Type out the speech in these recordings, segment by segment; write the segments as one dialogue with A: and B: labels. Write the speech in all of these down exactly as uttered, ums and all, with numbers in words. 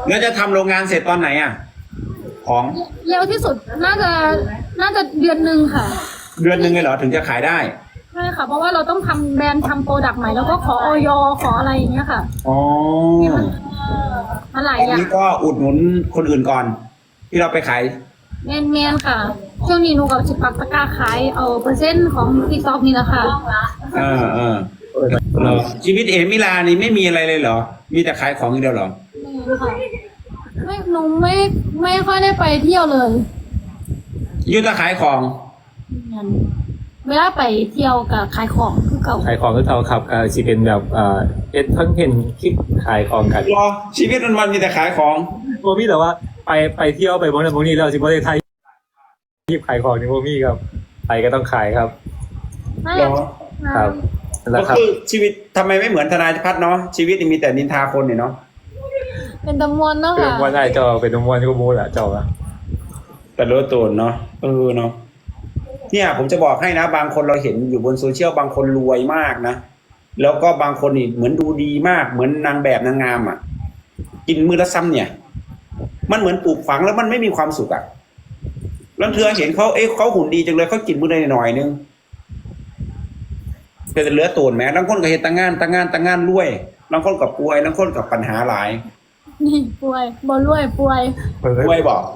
A: แล้วจะทำโรงงานเสร็จตอนไหนอ่ะ ของ
B: เร็วที่สุดน่าจะน่าจะเดือนหนึ่งค่ะ
A: เดือนหนึ่งเลยเหรอถึงจะขายได้
B: ใช่ค่ะ เพราะว่าเราต้องทำแบรนด์ทำโปรดักต์ใหม่แล้วก็ขอออยขออะไรอย่างเงี้ยค่ะ
A: อ๋อ
B: มาหลาย
A: ตอน
B: อย่าง
A: นี้ก็อุดหนุนคนอื่นก่อน ที่เราไปขาย
B: แมนแมนๆค่ะช่วงนี้หนูกับสิบปักตะกร้าขายเอาเปอร์เซ็นต์ของติ๊กต็อกนี่แหละค่ะ
A: เออเออเหรอชีวิตเอมิลานี่ไม่มีอะไรเลยเหรอ มีแต่ขายของอย่างเดียวเหรอ
B: ไม่ค่ะไม่หนูไม่ไม่ค่อยได้ไปเที่ยวเลย
A: ยุทธขายของ
B: เวลาไปเที่ยวกับขายของคือเก่า
C: ขายของก็เท่าครับเอ่อสิเป็นแบบเอ่อเอ็ดคอนเทนต์คลิปขายของกัน
A: รอชีวิตวันวันๆมีแต่ขายของ
C: โมมี่แต่ว่าไปไปเที่ยวไปบนนั้นบนนี้เราสิบ่ได้ไทยคลิปขายของนี่โมมี่ครับไปก็ต้องขายครับ
B: ไม่
A: เหรอ
C: ครับนั่นแห
A: ก็
C: ละครับ
A: คือชีวิตทำไมไม่เหมือนธนายพัฒน์เนาะชีวิตนี่มีแต่นินทาคนเนี่ยเนาะ
B: เป็นตำมวนเนาะ
C: เป็น
B: ค่ะ
C: วันได้เจ้าเป็นมวนก็มูแหละเจ้าอะ
A: แต่รู้ตัวเนาะเออเนาะเนี่ยผมจะบอกให้นะ บางคนเราเห็นอยู่บนโซเชียลบางคนรวยมากนะแล้วก็บางคนนี่เหมือนดูดีมากเหมือนนางแบบนางงามอ่ะ กินมือละซ้ำเนี่ย มันเหมือนปลูกฝังแล้วมันไม่มีความสุขอ่ะแล้วเธอเห็นเขาเอ๊ะเขาหุ่นดีจังเลยเขากินมือได้หน่อยนึงเป็นเหลือตัวแม้บางคนก็เห็นตั้งงานตั้งงานตั้งงานรวยบางคนกับป่วยบางคนกับปัญหาหลาย
B: นี่ป่วยบอลรวยป่วย
A: ป่วยบอก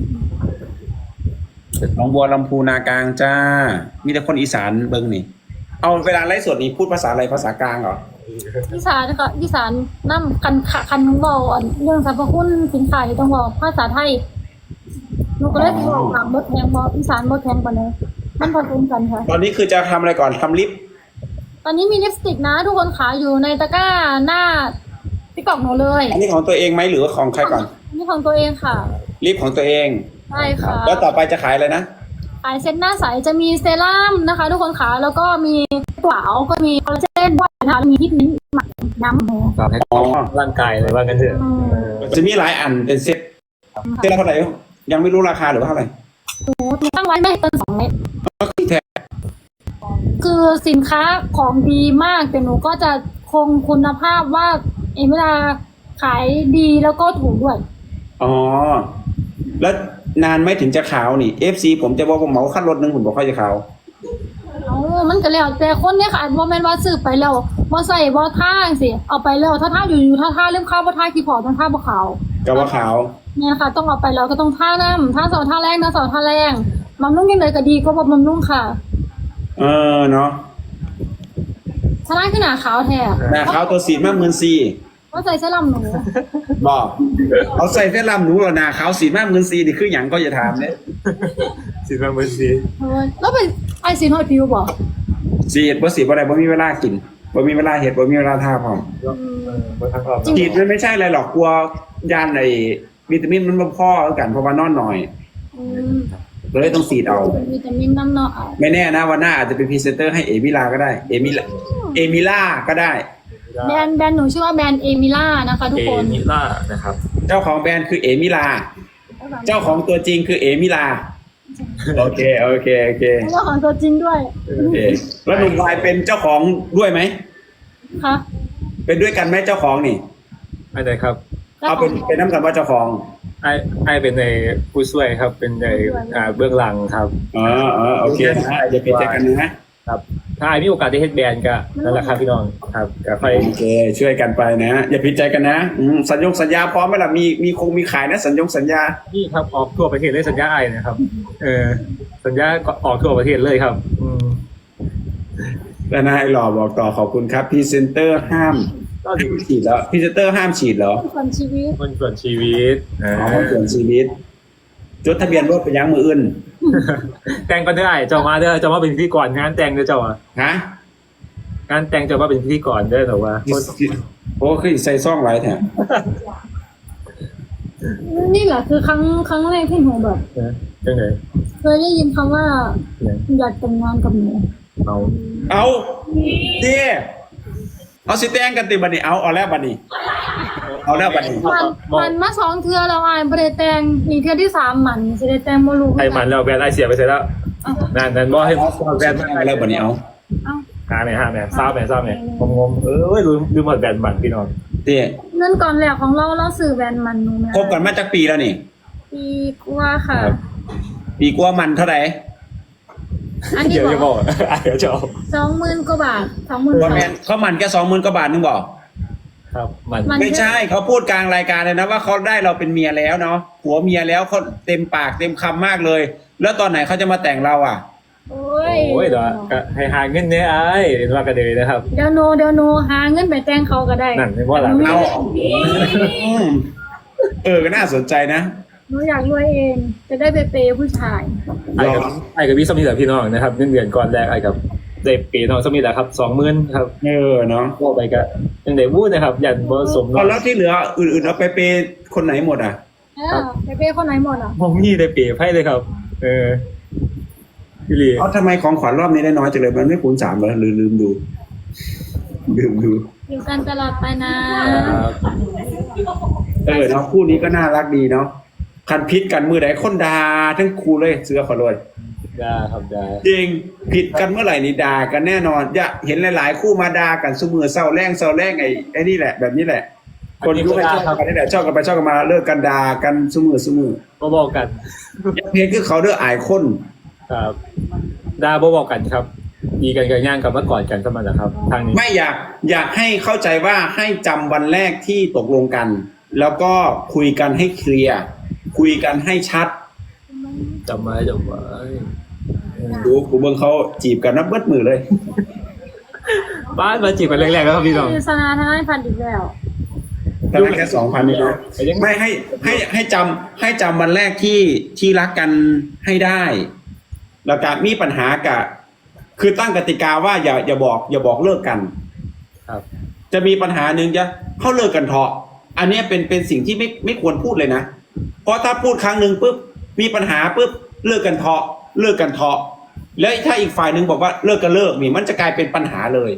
A: หนองบัวลำพูนากลางจ้า มีแต่คนอีสานเบิ้งนี่ เอาเวลาไลฟ์สดนี่พูดภาษาอะไรภาษากลางเหรอ
B: อีสานนะคะอีสานน้ำคันขะคันบอกเรื่องสรรพคุณสินค้าที่ต้องบอกภาษาไทยหนูก็เลยบอกถามบดแทงบอกอีสานบดแทงกว่านี้มันผสมกันค่ะ
A: ตอนนี้คือจะทำอะไรก่อนทำลิป
B: ตอนนี้มีลิปสติกนะ ทุกคนขายอยู่ในตะกร้าหน้าติ๊กต็อกหนูเลย
A: อันนี้ของตัวเองไหมหรือว่าของใครก่อน
B: นี่ของตัวเองค่ะ
A: ลิปของตัวเอง
B: ใช่ค่ะ
A: แล้วต่อไปจะขายอะไรนะ
B: ขายเซ็ตหน้าใสจะมีเซรั่มนะคะ ทุกคนขาแล้วก็มีตัวเอาก็มีคอลลาเจนด้วยนะคะมีที่นิ้นหมักน้ำหมู
C: ครับให้
A: อ๋อ
C: ร่างกายเลยว่ากันเถอะ
B: อืม
C: เออ
A: จะมีหลายอันเป็นเซ็ตเซ็ตละเท่าไหร่ยังไม่รู้ราคาหรือว่าเท่าไหร่
B: หนูตั้งไว้ไม่เกินสองเม็ด
A: ก็คือแท้
B: คือสินค้าของดีมากแต่หนูก็จะคงคุณภาพว่าเอเวลาขายดีแล้วก็ถูกด้วย
A: อ๋อ แล้วนานไหมถึงจะขาวนี่ เอฟ ซี ผมจะบอกว่าเหมาขั้นรถหนึ่งผมบอกค่อยจะขาว
B: เอามันก็แล้วแต่คนเนี่ยค่ะว่าแม่นว่าซื้อไปแล้วว่าใส่ว่าท่าสิเอาไปแล้วถ้าท่าอยู่อยู่ท่าท่าเรื่องข้าวว่าท่ากี่พอต้องท่าบ่ขาว
A: ก็ว่าขาว
B: เนี่ยค่ะ ต้องเอาไปแล้วก็ต้องท่าน้ำท่าสองท่าแรงนะสองท่าแรงบำรุงยังไงก็ดีก็บำรุงค่ะ
A: เออเนาะ
B: ท่าแรงขึ้นหนาขาวแท้
A: หน้าขาวตัวสีมากเหมือนซี
B: ว่าใส่เสื้อลำหนู
A: บอกเอาใส่เส้นลำหนูเหรอหน้าขาวสีมากเหมือนซีนี่คืออย่างก็จะถามเนี่ย
C: สิบแปดเปอร์เซ็นต์
B: เออแล้วเป็นไอซีนฮอตฟิวบอก
A: สีเห็ดบ่สีบ่ได้บ่มีเวลากินบ่มีเวลาเห็ดบ่มีเวลาทาพร้อม
C: บนทางรอบ
A: ฉีดมันไม่ใช่อะไรหรอกกลัวยานไอ้วิตามินมันบ่พอแล้วกันเพราะว่านอนหน่อย
B: อืม
A: เลยต้องฉีดเอา
B: เป็นวิตามินน้ำเนาะอ่ะ
A: ไม่แน่นะวันหน้าอาจจะเป็นพรีเซนเตอร์ให้เอมิลาก็ได้เอมิลาเอมิล่าก็ได้
B: แบรนด์แบรนด์หนูชื่อว่าแบรนด์เอมิล่านะคะทุก
C: เอ
B: คน
C: มิล่านะครับ
A: เจ้าของแบรนด์คือเอมิลา เจ้าของตัวจริงคือเอมิลาโอเคโอเคโอเค
B: เจ้าของตัวจริงด้วย
A: โอเคแล้วหนุ่มวายเป็นเจ้าของด้วยไหม
B: ค่ะ
A: เป็นด้วยกันไหมเจ้าของนี่
C: ไม่ได้ครับ
A: เอาเป็นเป็นน้ำกันว่าเจ้าของ
C: ไอ้ไอ้เป็นในผู้ช่วยครับ เป็นในอ่าเบื้องหลังครับ
A: อ๋ออ๋อโอเคนะอย่าผิดใจกันนะครับ
C: ถ้าไอ้มีโอกาสได้เฮ็ดแบรนด์ก็นั่นแหละครับพี่น้องครับก็ค่อย
A: โอเคช่วยกันไปนะอย่าผิดใจกันนะอืมสัญญงสัญญาพร้อมไหมล่ะมีมีคงมีขายนะสัญญงสัญญา
C: นี่ครับออกทั่วประเทศเลยสัญญาไอ้นะครับ เออสัญญาก็ออกทั่วประเทศเลยครับ อืม
A: แล้วนายหล่อบอกต่อขอบคุณครับพรีเซนเตอร์ห้าม
C: ก็ดี
A: ฉีดแล้วพรีเซนเตอร์ห้ามฉีดเหรอ
B: คนชีวิต
C: มันส่วนชีวิต
A: อ๋อเปลี่ยนชีวิตจดทะเบียนรถไปยังมืออื่น
C: แต่งก็ได้เจ้ามาเด้อเจ้ามาเป็นพิธีกรงานแต่งเด้อเจ้าอ่ะ
A: ฮะ
C: งานแต่งเจ้ามาเป็นพิธีกรเด้อแต่ว่า
A: โอ้คือใส่ซ่องไรแท้
B: นี่แหละคือครั้งครั้งแรกที่หนูแบบ
C: เออจังไหน
B: เคยได้ยินคำว่า
C: เนี่ย
B: อยากแต่งงานกับหนู
C: เอา
A: เอาดิเอาสิแตงกันติบันนี่เอาเอาแล้วบันนี่เอาแล้วบันนี่
B: มันมันมาสองเทือแล้วอ่ะบริแตงอีกเทือที่สามหมันสิได้แตงโมลู
C: ไอ้มันแล้วแบรนด์ไอเสียไปเสร็จแล้วนั่นนั่นบอกให้แบรนด์
A: เอาแล้วบันนี่เอา
B: เอ้า
C: หาไหนหาไหนทราบไหนทราบไหนงงงๆเออลืมลืมหมดแบรนด์มันพี่น้อง
A: จที่
B: เงินก่อนแรกของเราเราซื้อแบรนด์มันหนูแม่
A: คบกันมาจากปีแล้วนี่
B: ปีกว่าค่ะ
A: ปีกว่ามันเท่าไหร่
B: อันนี้
C: เดี๋ยวจะ
B: บบ อ
C: อก กอ่ะเดี๋ยวจะเอา
B: สองหมื่นกว่าบาทสองหมื่น
A: ว่าแมนเขามันแค่สองหมื่นกว่าบาทนึงบอก
C: ครับมัน
B: มัน
A: ไม่ใช่เขาพูดกลางรายการเลยนะว่าเขาได้เราเป็นเมียแล้วเนาะผัวเมียแล้วเขาเต็มปากเต็มคำมากเลย แล้วตอนไหนเขาจะมาแต่งเราอ่ะ
B: โอ้ย
C: โอ้ยเดี๋ยวก็ให้หาเงินเนี่ยไอ้เห็นว่ากันเลยนะครับ
B: เดี๋ยวโนเดี๋ยวโนหาเงินไปแต่งเขาก็ได้
C: นั่นไม่ว่าหลัง
B: หนู
A: เอา
B: อยาก
A: อืมเออก็น่าสนใจนะ
B: หนูอยากรวยเอง จะได้ไปเปย์ผู้ชาย
C: ไอ้กับไอ้กับพี่สมีแหละพี่น้องนะครับเงินเดือนก่อนแรกไอ้กับเด็กปีน้องสมีแหละครับสองหมื่นครับ
A: เออเนาะ
C: ก็ไปก็ยังได้พูดนะครับยันผสม
A: เอาแล้วที่เหลืออื่นๆเอาไปเปย์คนไหนหมดอ่ะ
B: เออไปเปย์คนไหนหมดอ่ะ
C: มองนี่ได้เปรียบให้เลยครับ เออพี่ลี
A: เอาทำไมของขวัญรอบนี้ได้น้อยจังเลยมันไม่คูณสามเหรอหรือลืมดูลืมดู
B: อยู่กันตลอดไปนะ
C: ครับ
A: เออเนาะคู่นี้ก็น่ารักดีเนาะคันพิษกันมือไหนคนดาทั้งคู่เลยเสือขอรวย
C: ได้ครับได้
A: จริงผิดกันเมื่อไหร่นี่ด่ากันแน่นอนอย่าเห็นหลาย ๆ คู่มาด่ากันสมือเศร้าแรงเศร้าแรงไอ้ไอ้นี่แหละแบบนี้แหละ คนยุคให้ชอบกันนี่แหละชอบกันไปชอบกันมาเลิกกันด่ากันสมือสมือ
C: บ่บอกกัน
A: เพลงคือเขาเด้ออายคน
C: ครับดาบ่บอกกันครับ ดีกันกันย่างกับเมื่อก่อนกันสมันนะครับ ทางนี้
A: ไม่อยากอยากให้เข้าใจว่าให้จำวันแรกที่ตกลงกัน แล้วก็คุยกันให้เคลียร์คุยกันให้ชัด
C: จำไว้จำไว้
A: ดูกูเบิ่งเขาจีบกันนับเบิดมือเลย
C: บ้านมาจีบกันแรกๆแล้วครับพี่น้อง
B: คือสนาทนายพันธุ์อีกแล้ว
A: แต่ละแค่สองพันนี่เนาะไม่ให้ให้ให้จำให้จำวันแรกที่ที่รักกันให้ได้ แล้วการมีปัญหากับคือตั้งกติกาว่าอย่าอย่าบอกอย่าบอกเลิกกัน
C: ครับ
A: จะมีปัญหาหนึ่งจะเขาเลิกกันเถอะอันเนี้ยเป็นเป็นสิ่งที่ไม่ไม่ควรพูดเลยนะเพราะถ้าพูดครั้งหนึ่งปุ๊บมีปัญหาปุ๊บเลิกกันเถอะเลิกกันเถอะแล้วถ้าอีกฝ่ายหนึ่งบอกว่าเลิกกันเลิกนี่มันจะกลายเป็นปัญหาเลย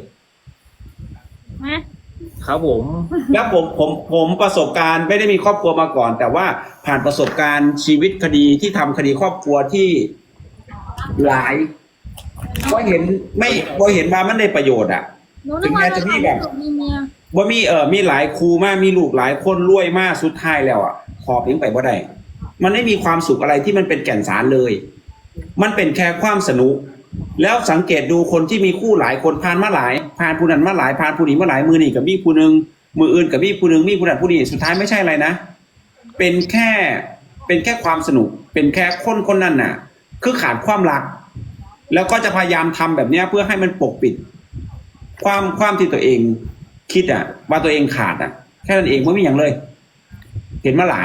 C: ครับผม
A: แล้วผมผมผมประสบการณ์ไม่ได้มีครอบครัวมาก่อน แต่ว่าผ่านประสบการณ์ชีวิตคดีที่ทำคดีครอบครัวที่หลายก็เห็นไม่ก็เห็นว่ามันได้ประโยชน์อ่ะ
B: หนูนึกว่าเราทำให้ลูกมีเมีย
A: ว่ามีเออมีหลายครูมากมีลูกหลายคนรวยมากสุดท้ายแล้วอ่ะขอเพียงไปบ่ได้มันไม่มีความสุขอะไรที่มันเป็นแก่นสารเลย มันเป็นแค่ความสนุก แล้วสังเกตดูคนที่มีคู่หลายคนผ่านมาหลายผ่านผู้นั้นมาหลายผ่านผู้นี้มาหลายมือนี่กับมีผู้หนึงมืออื่นกับมีผู้หนึงมีผู้นั้นผู้นี้สุดท้ายไม่ใช่อะไรนะเป็นแค่เป็นแค่ความสนุก เป็นแค่คนคนนั้นน่ะ คือขาดความรัก แล้วก็จะพยายามทำแบบเนี้ยเพื่อให้มันปกปิด ความความที่ตัวเองคิดอ่ะ ว่าตัวเองขาดอ่ะ แค่นั้นเองไม่มีอย่างเลย เห็นมาหลาย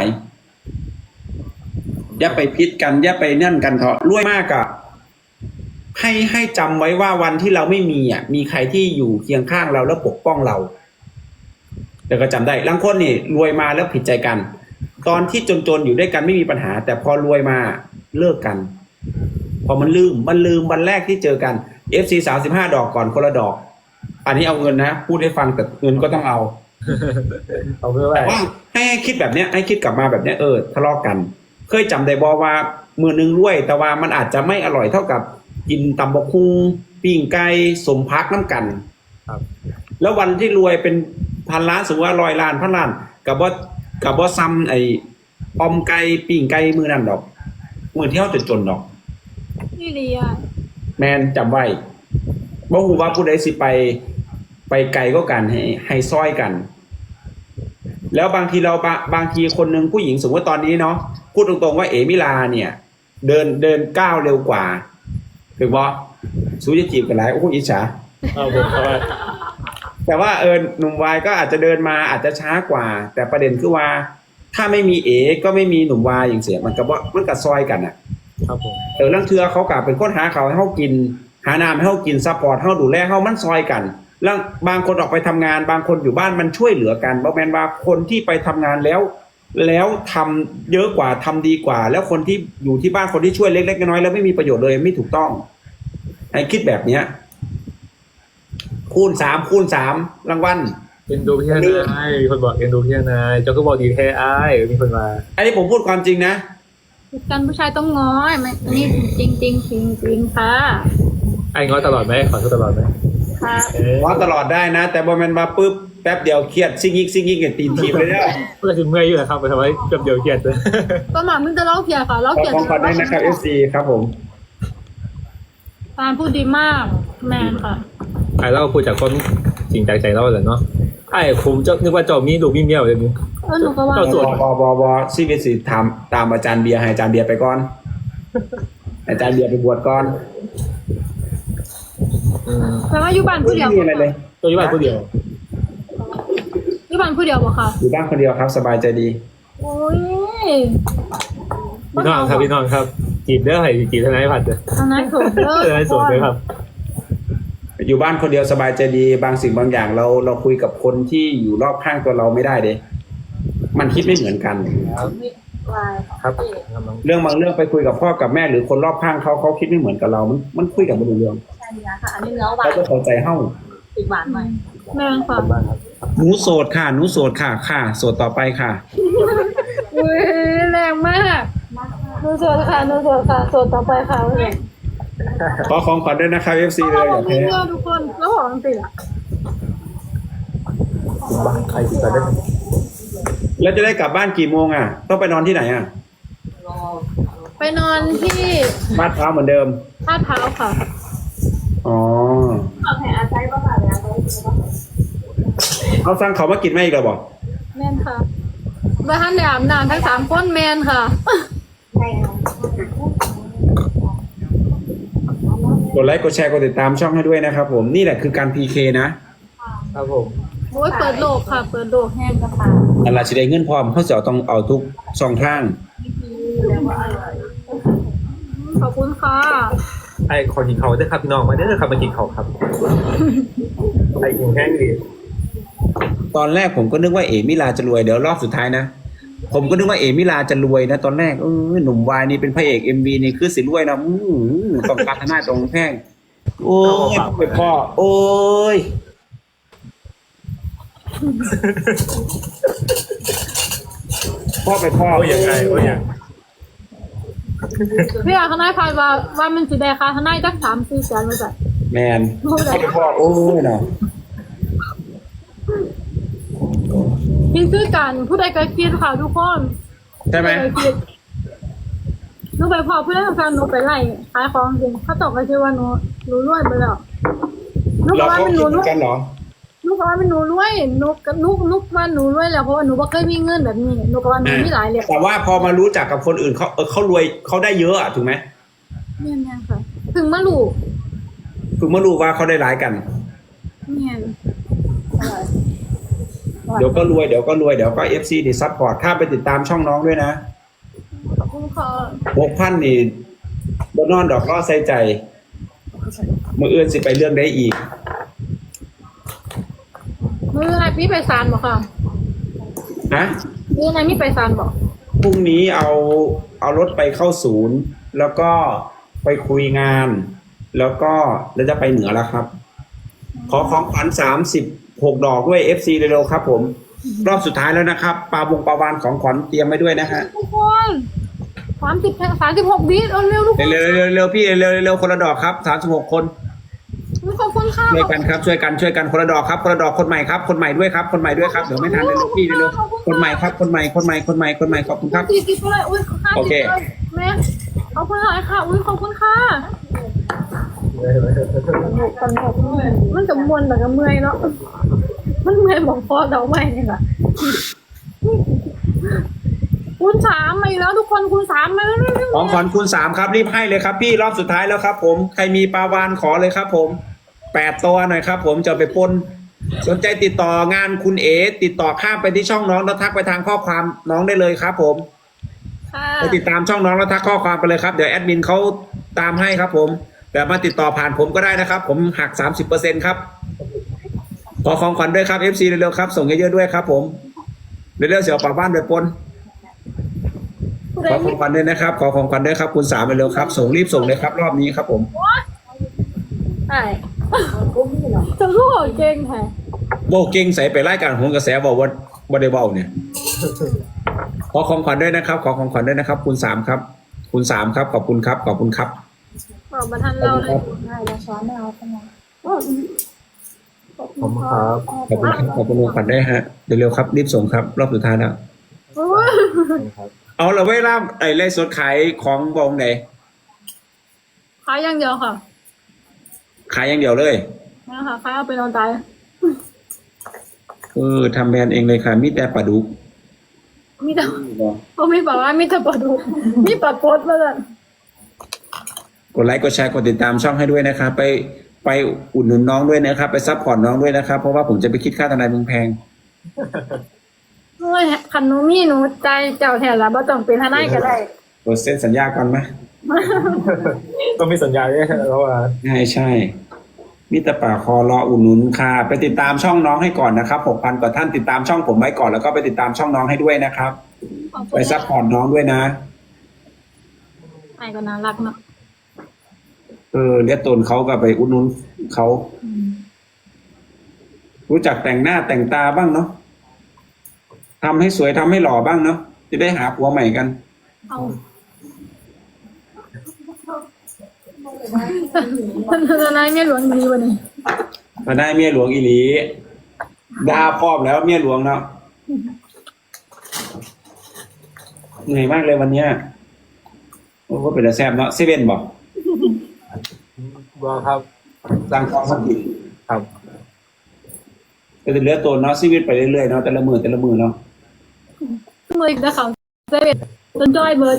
A: อย่าไปพิษกันอย่าไปนั่นกันเถอะรวยมากอะให้ให้จำไว้ว่าวันที่เราไม่มีอ่ะ มีใครที่อยู่เคียงข้างเราแล้วปกป้องเราแต่ก็จำได้บางคนนี่รวยมาแล้วผิดใจกัน ตอนที่จนๆอยู่ด้วยกันไม่มีปัญหา แต่พอรวยมาเลิกกัน พอมันลืมมันลืมวันแรกที่เจอกัน เอฟ ซี สามสิบห้าดอกก่อนคนละดอก อันนี้เอาเงินนะพูดให้ฟังแต่เงินก็ต้องเอา
C: เอาเพื่อ
A: แต่
C: ว่า
A: ว่าให้ให้คิดแบบเนี้ยให้คิดกลับมาแบบเนี้ยเออทะเลาะกัน เคยจำได้บอว่ามือนึงรวย แต่ว่ามันอาจจะไม่อร่อยเท่ากับกินตำบกคุงปิ้งไก่สมพักน้ำกัน
C: ครับ
A: แล้ววันที่รวยเป็นพันล้านสมมติว่าร้อยล้านพันล้านกับว่ากับว่าซ้ำไอ้ออมไก่ปิ้งไก่มือนั่นดอกมือที่เขาจนๆดอก
B: นี่เลีย
A: แมนจำไว้บ่ฮู้ว่าผู้ใดสิไปไปไกลก็กันให้ให้ซ้อยกัน แล้วบางทีเราบาบางทีคนหนึ่งผู้หญิงสมมติว่าตอนนี้เนาะพูดตรงๆว่าเอมิลาเนี่ย เดินเดินก้าวเร็วกว่าถึงบ่สู้จะจีบกันหลายโอ้โหอิจฉา
C: เอาผมเขาว่า
A: แต่ว่าเออหนุ่มวายก็อาจจะเดินมาอาจจะช้ากว่า แต่ประเด็นคือว่า ถ้าไม่มีเอก็ไม่มีหนุ่มวายอย่างเสียมันก็ว่ามันก็ซอยกันอ่ะ
C: ครับผม
A: เออลังเทือเขากลับเป็นคนหาเขาวให้เขากิน หาน้ำให้เขากินซัพพอร์ตให้เขาดูแลเขามันซอยกันแล้วบางคนออกไปทำงาน บางคนอยู่บ้านมันช่วยเหลือกันบอกแมนว่าคนที่ไปทำงานแล้ว แล้วทำเยอะกว่าทำดีกว่า แล้วคนที่อยู่ที่บ้านคนที่ช่วยเล็กๆน้อยๆแล้วไม่มีประโยชน์เลยไม่ถูกต้องให้คิดแบบเนี้ย คูณสามคูณสามรางวัล
C: เอ็นดูพี่นายมีคนบอกเอ็นดูพี่นายเจ้าก็บอกดีแท้อ้ายมีคนมา
A: อันนี้ผมพูดความจริงนะ
B: ผิดกันผู้ชายต้องง้อยมันนี่จริงจริงจริงจริงค่ะ
C: ไอ้ง้อตลอดไหมขอโทษตลอดไหม
B: ค่ะ
A: ง้อตลอดได้นะ แต่บอมันมาปุ๊บแป๊บเดียวเครียดซิ่งยิกซิ่งยิกกับตีนทีมเลยเนี่ย
C: เพื่อจะเมื่อยอยู่นะครับไปทำไมเกือบเดียวเกียดเลย
B: ประมาณมึงจะเล่าเพียค่ะเล่า
A: ขอ
B: เพีย
A: ของขวัญด้วยนะครับ เอฟ ซี ครับผม
B: ตาลพูดดีมากแมนค่ะ
C: ไอ้เราพูดจากคนจริงใจใจเราเลยเนาะไอ้ผมจะนึกว่าเจ้ามีลูกมีเมียเลยนี่
B: เออหนูก็ว่า
C: ก็ส่วน
A: บอบอบอซีวิสิถามตามอาจารย์เบียร์ให้อาจารย์เบียร์ไปก่อน อาจารย์เบียร์ไปบวชก่อน
C: อืม
B: แต่ว่าอยู่บ้านผู้เดียว
A: ไม่มีอะไรเลย
C: ตัวอยู่บ้านคนเดียว
B: อยู่บ้านผู้เดียวบ่ค่ะ
A: อยู่บ้านคนเดียวครับ สบายใจดี
B: โอ้ย
C: พี่น้องครับพี่น้องครับจีบเด้อให้จีบทนายผัดเด้อ
B: ทนายโสดเด้อ
C: ทนายโสดเลยครับ
A: อยู่บ้านคนเดียวสบายใจดี บางสิ่งบางอย่างเราเราคุยกับคนที่อยู่รอบข้างตัวเราไม่ได้เด้มันคิดไม่เหมือนกัน
C: ครับ
A: เรื่องบางเรื่องไปคุยกับพ่อกับแม่หรือคนรอบข้างเขาเขาคิดไม่เหมือนกับเรา มันมันคุยกับไม่รู้เรื่อง
D: ใช่ค่ะ อันนี้เนื้อหวา
A: เขา
D: น
A: จะเข้าใจเฮ้า
D: ติดหวานหน่อย
B: แม่นค่ะ
C: บ้านครับ
A: หนูโสดค่ะหนูโสดค่ะค่ะโสดต่อไปค่ะ
B: อุ้ยแรงมากหนูโสดค่ะหนูโสดค่ะโสดต่อไปค่ะเลย
A: ขอของขวัญด้วยนะครับ เอฟ ซี เลย
B: เรา
A: อย่า
B: ไม่
A: แพ้
B: เชื่อทุกคนแล้วบอกจริงๆอะ
C: บ้านใครจีบกันได้
A: แล้วจะได้กลับบ้านกี่โมงอ่ะ ต้องไปนอนที่ไหนอ่ะ
B: ไปนอนที่
A: บ้านเท้าวเหมือนเดิม
B: ท่าเท้าค่ะ
A: อ๋อ
D: เอาแผ่อาใจป่ะค่ะแล้ว
A: เอาสั่งเขามากินไหมอีกแล้วบอก
B: แมนค่ะไปท่านเดียอาบน้ำทั้งสามคนแมนค่ะ
D: ใช่ค่ะ
A: กดไลค์กดแชร์กดติดตามช่องให้ด้วยนะครับผมนี่แหละคือการ พี เค นะ
C: ครับผม
B: โอ้ยเปิดโลกค่ะ เปิดโลกแห้งกระเพรา
A: อันละสิได้เงินพร้อมเขาจะเอาต้องเอาทุกช่องทาง
B: ขอบคุณค่ะ
C: ไอ้ขอกินเขาได้อครับพี่น้องมาเด้อครับมากินเขาครับไอ้กินแห้งดี
A: ตอนแรกผมก็นึกว่าเอมิลาจะรวยเดี๋ยวรอบสุดท้ายนะผมก็นึกว่าเอมิลาจะรวยนะตอนแรกเออหนุ่มวายนี่เป็นพระเอกเอ็มวีนี่คือสิรวยนะอื้อหือต้องการทนายตรงแพงโอ้ยไปพ่อโอ้ยพ่อไปพ่อ
C: โอ้ยยังไงโอ้ยยัง
B: พี่อาทนายพายว่าว่ามันสิได้ค่ะทนายจักสามสี่แสนมาจาก
A: แมนพ่อไปพ่อโอ้ยเนาะ
B: คิดคือกันผู้ใดก็คิดค่ะทุกคน
A: ใช่ไหม
B: ผู้ใดก็คิดหนูไปพอผู้ใดก็ฟังหนูไปไล่ขายของจริงเขาตกไปชื่อว่าหนูหนูรวยไปแล้วหนูก็
A: เรา
B: ว่า
A: ก็
B: เป็นห
A: คิ
B: นู
A: ดเห
B: ร
A: มือ
B: วย
A: นกันเหรอ
B: หนูก็ว่าเป็นหนูรวยหนูก็หนูหนูว่าหนูรวยแล้วเพราะว่าหนูบ่เคยมีเงินแบบนี้หนูก็ว่าหนูมีหลายเลย
A: แต่ว่าพอมารู้จักกับคนอื่นเขาเออเขารวยเขาได้เยอะอะถูกไหม
B: เนี่ยเนี่ยค่ะ ถึงมาลูก
A: ถึงมารู้ว่าเขาได้หลายกัน
B: เนี่ย
A: เดี๋ยวก็รวยเดี๋ยวก็รวยเดี๋ยวก็เอฟซีดิซัพพอร์ตข้ามไปติดตามช่องน้องด้วยนะ
B: ขอบคุณค่ะ
A: หกพันนี่บนนอนดอกล่อใส่ใจมืออื่นสิไปเรื่องได้อีก
B: มือไหนพี่ไปซานบอกค่ะ
A: นะ
B: มือไหนมีไปซานบอก
A: พรุ่งนี้เอาเอารถไปเข้าศูนย์ แล้วก็ไปคุยงาน แล้วก็แล้วจะไปเหนือแล้วครับ ขอของขวัญสามสิบหกดอกด้วย เอฟ ซี เร็วๆครับผม รอบสุดท้ายแล้วนะครับปลาบงปลาวานของขวัญเตรียมไว้ด้วยนะฮะ
B: ทุกคนสามสิบสามสิบหกวิเอาเร็วทุกคน
A: เร็วๆเร็วๆเร็วๆพี่เร็วๆเร็วๆคนละดอกครับสามสิบหกคน
B: ขอบคุณค่ะ
A: ช่วยกันครับช่วยกันช่วยกันคนละดอกครับคนละดอกคนใหม่ครับคนใหม่ด้วยครับคนใหม่ด้วยครับเดี๋ยวไม่ทันเลยลูกพี่เร็วๆคนใหม่ครับคนใหม่คนใหม่คนใหม่คนใหม่ขอบคุณครับ
B: สี่สิบเลยอุ้ยห้า
A: โอ
B: สิบ
A: เค
B: เลยแม่ขอบคุณหลายค่ะอุ้ยขอบคุณค่ะมันจะมวนแบบกับเมื่อยเนาะมันเมื่อยบอกพอเดาไม่เนี่ยแหละคูณสามมาอีกแล้วทุกคนคูณสามมาแล้ว
A: ของขวัญคูณสามครับรีบให้เลยครับพี่รอบสุดท้ายแล้วครับ ผมใครมีปลาวานขอเลยครับ ผมแปดตัวหน่อยครับ ผมจะเอาไปปนสนใจติดต่องานคุณเอติดต่อข้ามไปที่ช่องน้องแล้วทักไปทางข้อความน้องได้เลยครับ ผม
B: ค่ะ
A: ไปติดตามช่องน้องแล้วทักข้อความไปเลยครับเดี๋ยวแอดมินเขาตามให้ครับ ผมแต่มาติดต่อผ่านผมก็ได้นะครับ ผมหักสามสิบเปอร์เซ็นต์ครับขอของขวัญด้วยครับ เอฟ ซี เร็วๆครับส่งเยอะๆด้วยครับ ผมเร็วๆเสียวปากบ้านไปปนขอของขวัญด้วยนะครับ ขอของขวัญด้วยครับ คุณสามเร็วๆครับส่งรีบส่งเลยครับ รอบนี้ครับ ผม
B: ใช่จะรู้เก่งแท้
A: โบเก่งใส่ไปไล่การโหนกระแสบอกว่าบ่ได้เบาเนี่ยขอของขวัญด้วยนะครับ ขอของขวัญด้วยนะครับ คุณสามครับ คุณสามครับขอบคุณครับขอบคุณครับ
B: บอกมาทันเราเลย
D: ได้แล้วช้อนไม่เอาใช่ไหม
C: ผมครับ
A: ขอบคุณครับขอบคุณลุงขวัญได้วยฮะเร็วๆครับรีบส่งครับ รอบสุดท้ายแล้ว
B: โอ้ย
C: ครับ
A: เอาเราเวลาไอ้ไล่สดขายของบองไหน
B: ขายอย่างเดียวค่ะ
A: ขายอย่างเดียวเลย
B: นะคะขายเอาไปนอนตาย
A: เออทำแบรนด์เองเลยค่ะมีแต่ปลาดุก
B: มีแต่เขาไม่บอกว่ามีแต่ปลาดุกมีปลาโคตรมาเลย
A: กดไลค์กดแชร์กดติดตามช่องให้ด้วยนะครับไปไปอุดหนุนน้องด้วยนะครับ ไปซัพพอร์ตน้องด้วยนะครับ เพราะว่าผมจะไปคิดค่าทนายมึงแพง
B: โอ้ยคันหนูมีหนูใจเจ้าแทนละบ่ต้องเป็นทนายก็ได้
A: กดเซ็นสัญญาก่อนไหม
C: ต้องมีสัญญาด้วยแล้วว่า
A: ใช่ใช่มิตรป่าคอรออุดหนุนค่ะ ไปติดตามช่องน้องให้ก่อนนะครับหกพันกว่าท่านติดตามช่องผมไว้ก่อนแล้วก็ไปติดตามช่องน้องให้ด้วยนะครับ ไปซัพพอร์ตน้องด้วยนะ
B: ไอ้ก็น่ารักเนาะ
A: เออเลียตนเขาก็ไปอุดหนุนเขา รู้จักแต่งหน้าแต่งตาบ้างเนาะทำให้สวยทำให้หล่อบ้างเนาะจะได้หาผัวใหม่กัน
B: เอาทนายเมียหลวงดีวันนี้
A: มาได้เมียหลวงอีหลีดาพร้อมแล้วเมียหลวงเนาะเหนื่อยมากเลยวันเนี้ยโอ้ก็เป็นแต่แซ่บเนาะเซเว่นบอก
C: บอกครับ
A: สั่งของสักที
C: ครับ
A: ก็จะเหลือตัวเนาะชีวิตไปเรื่อยๆเนาะแต่ละมือแต่ละมือเนาะ
B: มืออีกนะเขาเซเว่นจนจ้อยเบิร์ด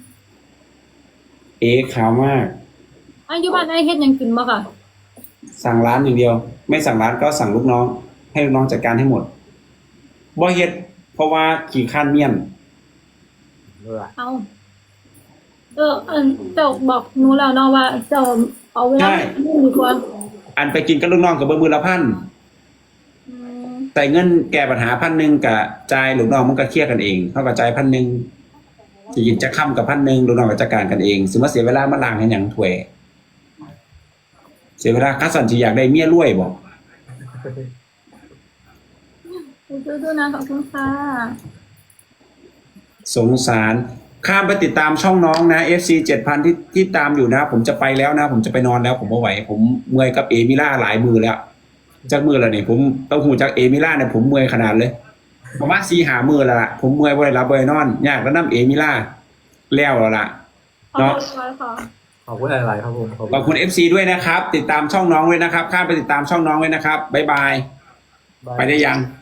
A: เอ๋ขาวมาก
B: อายุบ้านไอ้เฮ็ดหยังกินบ่ค่ะ
A: สั่งร้านอย่างเดียว ไม่สั่งร้านก็สั่งลูกน้อง ให้ลูกน้องจัดการให้หมดบ่เฮ็ดเพราะว่าขี้ข้านเมี่ยน
B: เอาเออเออเจ้าบอกหนูแล้วเนาะว่าเจ้าเอาเวลานี่ดีกว่า
A: อันไปกินกับลูกน้องกับเบอร์มือละพัน
B: อืม
A: ใส่เงินแก้ปัญหาพันหนึ่งกับจ่ายลูกน้องมันก็เคลียร์กันเองเท่ากับจ่ายพันหนึ่งจะกินจะค่ำกับพันหนึ่งลูกน้องก็จัดการกันเองสมมติเสียเวลามาล้างให้หยังถ้วย เสียเวลาคัสสันที่อยากได้เมียรวยบอก
B: สู้ๆนะขอบคุณค่ะ
A: สงสารข้ามไปติดตามช่องน้องนะ เอฟ ซี เจ็ดพันที่ที่ตามอยู่นะ ผมจะไปแล้วนะ ผมจะไปนอนแล้ว ผมไม่ไหว ผมเมื่อยกับเอมิล่าหลายมือแล้วจากมือแล้วเนี่ยผมเต้าหูจากเอมิล่าเนี่ยผมเมื่อยขนาดเลยประมาณสี่หามือแล้วล่ะผมเมื่อยบ่ได้รับบ่ได้นอนยากแล้วน้ำเอมิล่าแล้วแล้วล่ะ
B: ขอบ
A: เนาะ
B: คุณค่ะ
C: ขอบคุณหลายๆครับผมขอบ
A: ขอบคุณ เอฟ ซี ด้วยนะครับ ติดตามช่องน้องด้วยนะครับข้ามไปติดตามช่องน้องด้วยนะครับบ๊ายบาย
C: คุณ
A: ไปได้ยัง
C: บ